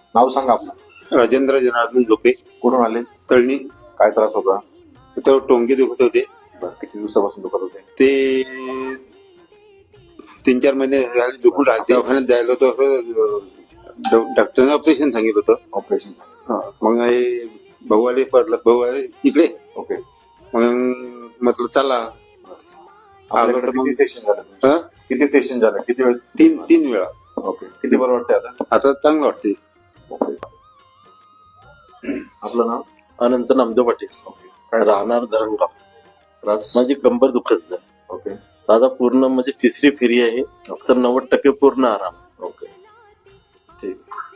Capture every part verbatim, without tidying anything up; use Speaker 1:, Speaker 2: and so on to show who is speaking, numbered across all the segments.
Speaker 1: नाव सांगा आपलं.
Speaker 2: राजेंद्र जनार्दन झोपे,
Speaker 1: कुठून आले?
Speaker 2: तळणी.
Speaker 1: काय त्रास होता?
Speaker 2: तर टोंगे दुखत होते.
Speaker 1: बरं, किती दिवसापासून दुखत होते?
Speaker 2: ते तीन चार महिने झाले दुखून राहते. दवाखान्यात जायला होतं, असं डॉक्टरने ऑपरेशन सांगितलं होतं.
Speaker 1: ऑपरेशन.
Speaker 2: मग हे भाऊ आले, पडलं भाऊ आले इकडे.
Speaker 1: ओके.
Speaker 2: मग म्हटलं चला.
Speaker 1: आपल्याकडे
Speaker 2: तर मग
Speaker 1: किती सेशन झालं?
Speaker 2: हं?
Speaker 1: किती सेशन झालं? किती वेळ?
Speaker 2: तीन तीन वेळा.
Speaker 1: ओके. किती बरं वाटतंय आता?
Speaker 2: आता चांगलं वाटते.
Speaker 1: ओके. आपलं नाव?
Speaker 3: अनंत नामदेव पाटील.
Speaker 1: ओके. काय
Speaker 3: राहणार धरणगाव.
Speaker 1: त्रास?
Speaker 3: माझी कंबर दुखत आहे.
Speaker 1: ओके.
Speaker 3: दादा पूर्ण म्हणजे तिसरी फेरी आहे, तर नव्वद टक्के पूर्ण आराम.
Speaker 1: ओके. ठीक.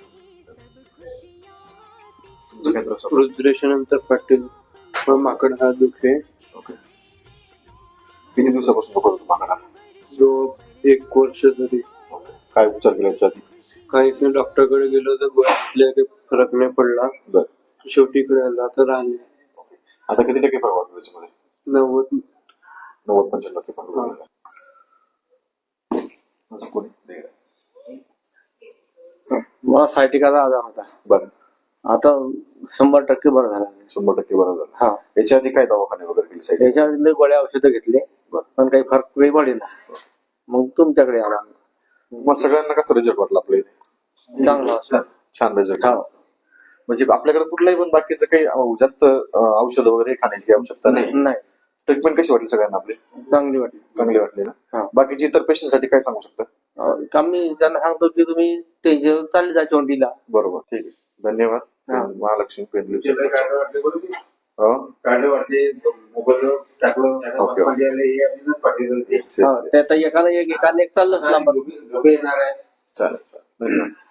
Speaker 1: तुमचा काय त्रास होता?
Speaker 4: रुद्रेशानंतर पाटील माकड हा दुखे.
Speaker 1: ओके. किती दिवसापासून दुखत होतं माकडा?
Speaker 4: जो एक वर्ष तरी
Speaker 1: ओके. काय उपचार केला याच्या आधी?
Speaker 4: काहीच नाही. डॉक्टरकडे गेलो तर गोळ्या घेतल्या, काही फरक नाही पडला.
Speaker 1: बरं.
Speaker 4: शेवटी इकडे आला तर राहिले.
Speaker 1: ओके. आता किती टक्के फरक वाटतो त्याच्यामध्ये?
Speaker 4: नव्वद
Speaker 1: नव्वद पंच्याण्णव टक्के फरक वाटतो. अजून कोणी?
Speaker 5: मला सायटिकाचा आजार होता.
Speaker 1: बरं.
Speaker 5: आता शंभर टक्के बरं झाला.
Speaker 1: शंभर टक्के बरं झालं.
Speaker 5: हा.
Speaker 1: याच्या आधी काय दवाखाने वगैरे केले साहेब?
Speaker 5: त्याच्यातले गोळ्या औषधं घेतले,
Speaker 1: बरं.
Speaker 5: पण काही फरक काही पडेना. मग तुमच्याकडे आला.
Speaker 1: मग सगळ्यांना कसं रिझल्ट वाटला आपल्या इथे?
Speaker 5: चांगला असला.
Speaker 1: छान रिझल्ट.
Speaker 5: हा.
Speaker 1: म्हणजे आपल्याकडे कुठलाही पण बाकीचं काही अं, जास्त औषध वगैरे खाण्याची काही आवश्यकता नाही.
Speaker 5: नाही,
Speaker 1: ट्रीटमेंट कशी वाटली सगळ्यांना आपली?
Speaker 5: चांगली वाटली.
Speaker 1: चांगली वाटली ना?
Speaker 5: हा.
Speaker 1: बाकीची इतर पेशंट साठी काय सांगू शकता?
Speaker 5: अं, आम्ही त्यांना सांगतो की तुम्ही त्यांच्या चालले जा चोंडीला.
Speaker 1: बरोबर. ठीक आहे. धन्यवाद.
Speaker 5: हा.
Speaker 1: महालक्ष्मी पेंडली.
Speaker 2: काढले वाटते मोबाईल टाकलं.
Speaker 1: ओके.
Speaker 5: हा, त्यात एकाला एक एकाला एक चाललंच लांब.
Speaker 2: येणार आहे.
Speaker 1: चालेल चालेल. धन्यवाद.